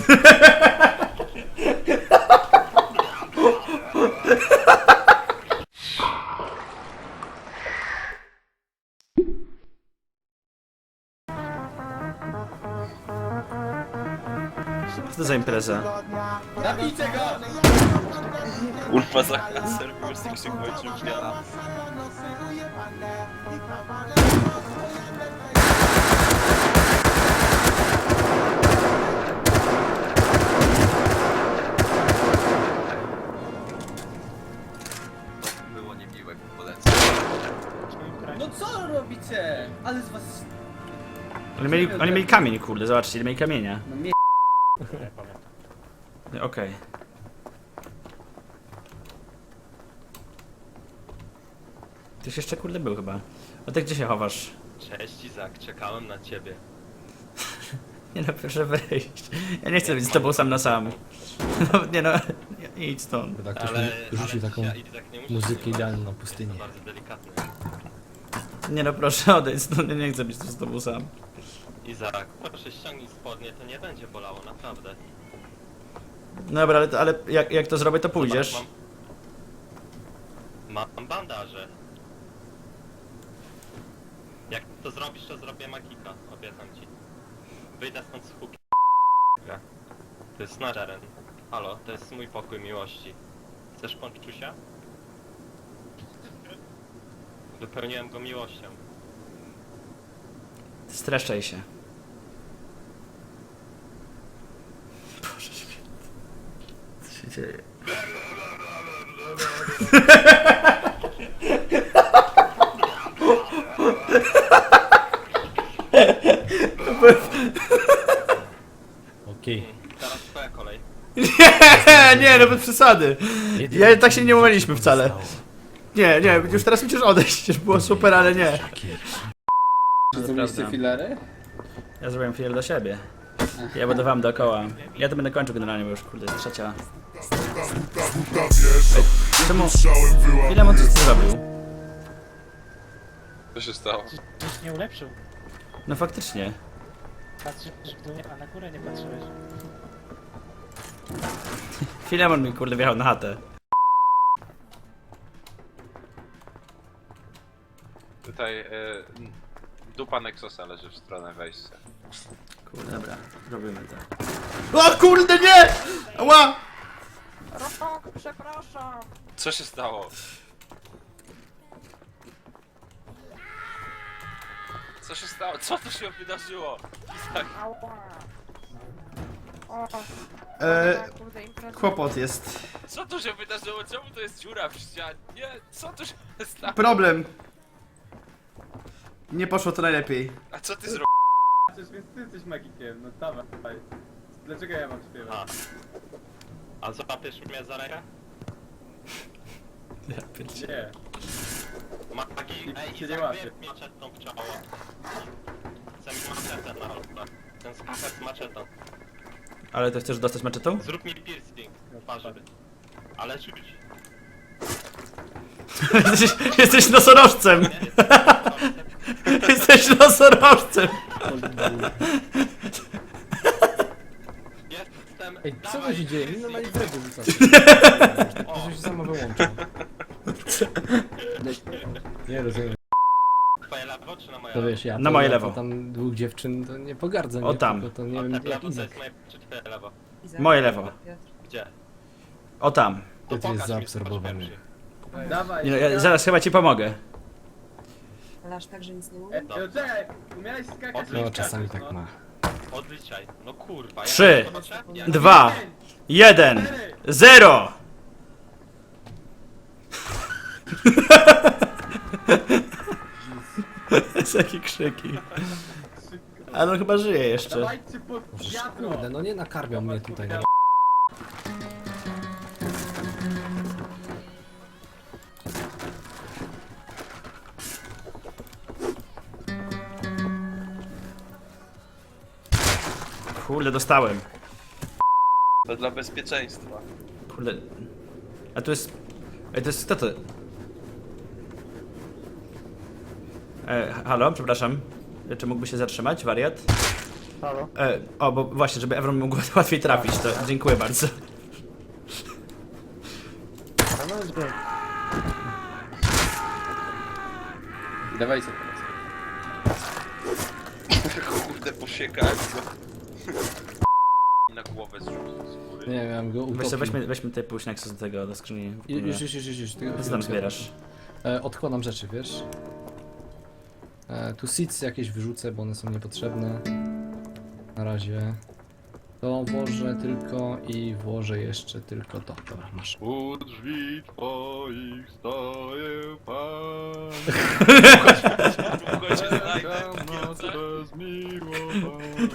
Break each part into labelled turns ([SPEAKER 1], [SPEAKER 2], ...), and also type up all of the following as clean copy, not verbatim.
[SPEAKER 1] Co to za impreza?
[SPEAKER 2] Zabijcie go!
[SPEAKER 3] Kurwa, za serwer z tych kończył dnia. To było niemiłe, polecam.
[SPEAKER 2] No co robicie? Ale z was...
[SPEAKER 1] Oni mieli kamień, kurde, zobaczcie, ile mieli kamienia.
[SPEAKER 2] No mnie...
[SPEAKER 1] Okej. Tyś jeszcze kurde był chyba. A ty gdzie się chowasz?
[SPEAKER 3] Cześć Izak, czekałem na ciebie.
[SPEAKER 1] Nie no, proszę wejść. Ja nie chcę być z tobą sam na sam. No, nie no, nie, idź stąd.
[SPEAKER 4] Tak, ktoś mi rzucił taką
[SPEAKER 3] Izak, nie musisz
[SPEAKER 4] muzykę
[SPEAKER 3] się
[SPEAKER 4] idealną na
[SPEAKER 3] To
[SPEAKER 4] pustyni.
[SPEAKER 3] bardzo delikatne.
[SPEAKER 1] Nie no, proszę odejdź stąd, ja nie chcę być tu z tobą sam.
[SPEAKER 3] Izak, proszę ściągnij spodnie, to nie będzie bolało, naprawdę.
[SPEAKER 1] Dobra, ale jak to zrobię, to pójdziesz.
[SPEAKER 3] Zobacz, mam bandaże. Jak to zrobisz, to zrobię magika, obiecam ci. Wyjdę stąd z huki. To jest nasz teren. Halo, to jest mój pokój miłości. Chcesz ponczusia? Wypełniłem go miłością.
[SPEAKER 1] Streszczaj się. Boże święty. Co się dzieje?
[SPEAKER 4] Okej.
[SPEAKER 3] Teraz twoja kolej.
[SPEAKER 1] Nie, no bez przesady. Ja tak się nie umawialiśmy wcale. Nie, już teraz musisz odejść, już było super, ale nie.
[SPEAKER 2] Czy zrobiliście filery?
[SPEAKER 1] Ja zrobiłem filar do siebie. Ja będę wam dookoła. Ja to będę kończył generalnie, bo już kurde jest trzecia. Czemu? Filemon coś ty zrobił?
[SPEAKER 3] Co się stało?
[SPEAKER 5] Coś nie ulepszył.
[SPEAKER 1] No faktycznie.
[SPEAKER 5] Patrzysz w dół, a na górę nie patrzyłeś.
[SPEAKER 1] Filemon mi kurde wjechał na chatę.
[SPEAKER 6] Tutaj dupa Nexosa leży w stronę wejścia.
[SPEAKER 1] Kurde, dobra, robimy to. O kurde, nie! Ała!
[SPEAKER 6] Co się stało? Co się stało? Co tu się wydarzyło? Izak,
[SPEAKER 1] Kłopot jest.
[SPEAKER 6] co tu się wydarzyło? Czemu to jest dziura w ścianie? Co tu się stało?
[SPEAKER 1] Problem. Nie poszło to najlepiej.
[SPEAKER 6] A co ty zrobiłeś?
[SPEAKER 2] Przecież więc ty jesteś magikiem, no dawaj. Dlaczego ja mam śpiewać?
[SPEAKER 3] A złapiesz mnie za rękę?
[SPEAKER 1] Ja pierdzie-
[SPEAKER 2] Nie.
[SPEAKER 3] Magik,
[SPEAKER 2] Nikt
[SPEAKER 3] ej,
[SPEAKER 2] cię nie
[SPEAKER 3] Izak,
[SPEAKER 2] łapie.
[SPEAKER 3] wyjeb maczetą w czoło. Chcę mi maczetę na rączkę. Ten skafer z maczetą.
[SPEAKER 1] Ale to chcesz dostać maczetą?
[SPEAKER 3] Zrób mi piercing w twarzy. Ale czuć.
[SPEAKER 1] Jesteś nosorożcem!
[SPEAKER 3] Nie,
[SPEAKER 1] Jesteś nosorożcem!
[SPEAKER 3] jestem...
[SPEAKER 4] Ej, co to
[SPEAKER 3] dawaj,
[SPEAKER 4] się dzieje? Mi
[SPEAKER 3] piercing.
[SPEAKER 4] normalnie dredy rzuca.
[SPEAKER 3] O,
[SPEAKER 4] To się samo wyłącza. Nie rozumiem.
[SPEAKER 3] twoje lewo czy na moje
[SPEAKER 4] To
[SPEAKER 3] lewo?
[SPEAKER 4] wiesz, ja
[SPEAKER 1] Na
[SPEAKER 4] to,
[SPEAKER 1] moje
[SPEAKER 4] ja
[SPEAKER 1] lewo.
[SPEAKER 4] to tam dwóch dziewczyn to nie pogardzę, nie?
[SPEAKER 1] O tam.
[SPEAKER 4] Tylko to nie
[SPEAKER 3] A
[SPEAKER 4] wiem
[SPEAKER 3] tak
[SPEAKER 4] jak
[SPEAKER 3] lewo to
[SPEAKER 4] Izak.
[SPEAKER 3] jest moje czy twoje lewo?
[SPEAKER 1] Moje lewo.
[SPEAKER 3] Gdzie?
[SPEAKER 1] O tam.
[SPEAKER 3] To
[SPEAKER 4] Piotr jest
[SPEAKER 3] pokaż mi,
[SPEAKER 4] zaabsorbowany.
[SPEAKER 3] zobacz pierwszy.
[SPEAKER 2] Dawaj.
[SPEAKER 1] Nie, no, ja zaraz chyba ci pomogę.
[SPEAKER 7] Ale aż tak, że nic nie mówię?
[SPEAKER 2] No czekaj, umiałeś skakać
[SPEAKER 4] No czasami tak ma.
[SPEAKER 3] Odliczaj. No kurwa. ja
[SPEAKER 1] 3,
[SPEAKER 3] nie zobaczę? Ja-
[SPEAKER 1] 2, 1, 0! Jakie krzyki. Ale on chyba żyje jeszcze.
[SPEAKER 2] Dawajcie pod
[SPEAKER 4] Boże,
[SPEAKER 2] wiadro.
[SPEAKER 4] kurde, no nie nakarmią mnie tutaj. No.
[SPEAKER 1] Kurde, dostałem.
[SPEAKER 6] To dla bezpieczeństwa.
[SPEAKER 1] Kurde. A tu jest... Ej, to jest... Kto to? Halo, przepraszam. Czy mógłby się zatrzymać, wariat?
[SPEAKER 5] Halo?
[SPEAKER 1] O, bo właśnie, żeby Evron mógł łatwiej trafić, to dziękuję bardzo.
[SPEAKER 5] No jest good.
[SPEAKER 2] Dawaj sobie teraz.
[SPEAKER 6] Kurde, posiekałem go. I na głowę zrzucił z góry.
[SPEAKER 4] Nie wiem, go utopił.
[SPEAKER 1] Weźmy te pójść Nexus do tego, do skrzyni.
[SPEAKER 4] Już.
[SPEAKER 1] Co tam zbierasz?
[SPEAKER 4] Odkładam rzeczy, wiesz? Tu seeds jakieś wyrzucę, bo one są niepotrzebne. Na razie. To włożę tylko i włożę jeszcze tylko to. Dobra, masz.
[SPEAKER 6] U drzwi twoich stoję pan. Długo cię znajdę, noc bezmiłowana.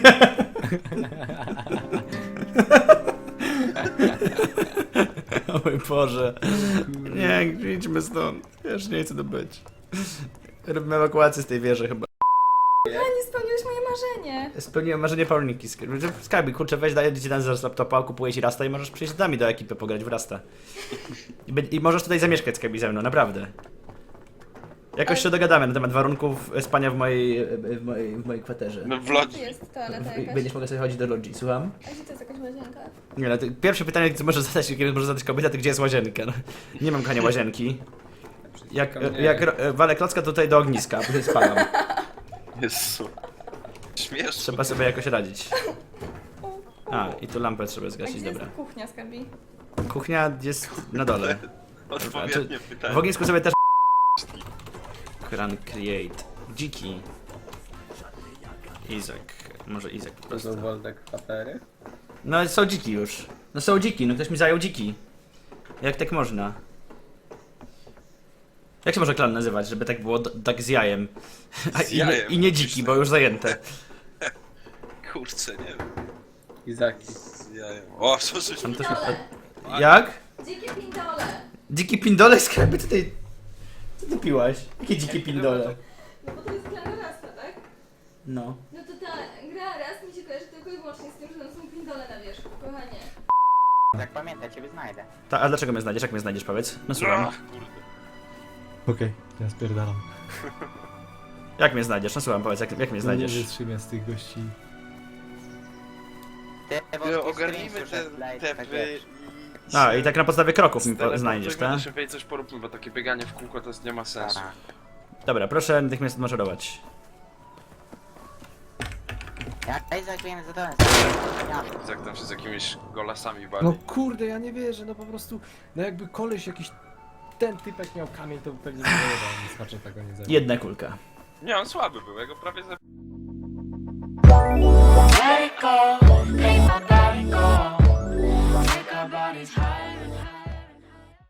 [SPEAKER 1] O mój Boże. Nie, idźmy stąd. Wiesz, nie chcę tu być. Robimy ewakuację z tej wieży chyba.
[SPEAKER 7] Nie spełniłeś moje marzenie.
[SPEAKER 1] Spełniłem marzenie Paulinki. Skype, kurczę, weź daję ci ten z laptopa, kupuję ci Rasta i możesz przyjść z nami do ekipy pograć w Rasta. I możesz tutaj zamieszkać Skype ze mną, naprawdę. Jakoś się dogadamy na temat warunków spania w mojej kwaterze.
[SPEAKER 6] No w
[SPEAKER 7] Gdzie
[SPEAKER 6] lodzi.
[SPEAKER 7] jest toaleta jakaś?
[SPEAKER 1] Będziesz mogła sobie chodzić do lodzi, słucham?
[SPEAKER 7] A gdzie to jest jakaś łazienka?
[SPEAKER 1] Nie, no to pierwsze pytanie, które może zadać kobieta, to gdzie jest łazienka? No, nie mam kochania łazienki. Jak walę klocka tutaj do ogniska, bo spalam.
[SPEAKER 6] Jezu. Śmieszne.
[SPEAKER 1] Trzeba sobie jakoś radzić. A, i tu lampę trzeba
[SPEAKER 7] A
[SPEAKER 1] zgasić,
[SPEAKER 7] gdzie
[SPEAKER 1] dobra.
[SPEAKER 7] jest kuchnia, Skarbi?
[SPEAKER 1] Kuchnia jest na dole.
[SPEAKER 6] Odpowiednie pytanie.
[SPEAKER 1] W ognisku sobie też... Run create. Dziki. Izak. Może Izak po
[SPEAKER 2] To
[SPEAKER 1] prostu.
[SPEAKER 2] są Woldek patery?
[SPEAKER 1] No są dziki już. No są dziki, no ktoś mi zajął dziki. Jak tak można? Jak się może klan nazywać, żeby tak było tak z jajem?
[SPEAKER 6] Z jajem,
[SPEAKER 1] I nie dziki, bo już zajęte.
[SPEAKER 6] Kurczę, nie wiem.
[SPEAKER 2] Izaki.
[SPEAKER 6] Z jajem. O, co żeś
[SPEAKER 1] Tam
[SPEAKER 6] mi...
[SPEAKER 1] to się... Jak?
[SPEAKER 7] Dzikie pindole!
[SPEAKER 1] Dziki pindole? Skarbie tutaj... Co ty piłaś? Jakie dzikie pindole?
[SPEAKER 7] No bo to jest gra Rasta, tak?
[SPEAKER 1] No.
[SPEAKER 7] No to ta gra Rast mi się kojarzy tylko i wyłącznie z tym, że tam są pindole na wierzchu, kochanie.
[SPEAKER 5] Jak pamiętaj, ciebie znajdę.
[SPEAKER 1] A dlaczego mnie znajdziesz? Jak mnie znajdziesz, powiedz? No słucham.
[SPEAKER 6] Ach, kurde.
[SPEAKER 4] Okej, ja spierdalam.
[SPEAKER 1] Jak mnie znajdziesz? No słucham, powiedz, jak mnie
[SPEAKER 4] Nie
[SPEAKER 1] znajdziesz?
[SPEAKER 4] wytrzymia z tych gości.
[SPEAKER 6] No, ogarnijmy te wy...
[SPEAKER 1] A, i tak na podstawie kroków mi znajdziesz, tak?
[SPEAKER 6] Szybciej coś poróbmy, bo takie bieganie w kółko to nie ma sensu.
[SPEAKER 1] Dobra, proszę natychmiast maszerować.
[SPEAKER 5] Ja zagrałem za to.
[SPEAKER 6] Jak tam się z jakimiś golasami bawi.
[SPEAKER 4] No kurde, ja nie wierzę, no po prostu, no jakby koleś jakiś, ten typek miał kamień, to pewnie nie wyjebał, nie skacze tego nie zabił.
[SPEAKER 1] Jedna kulka.
[SPEAKER 6] Nie, on słaby był, ja go prawie
[SPEAKER 8] Let it go, make my body go. Make our bodies higher and higher.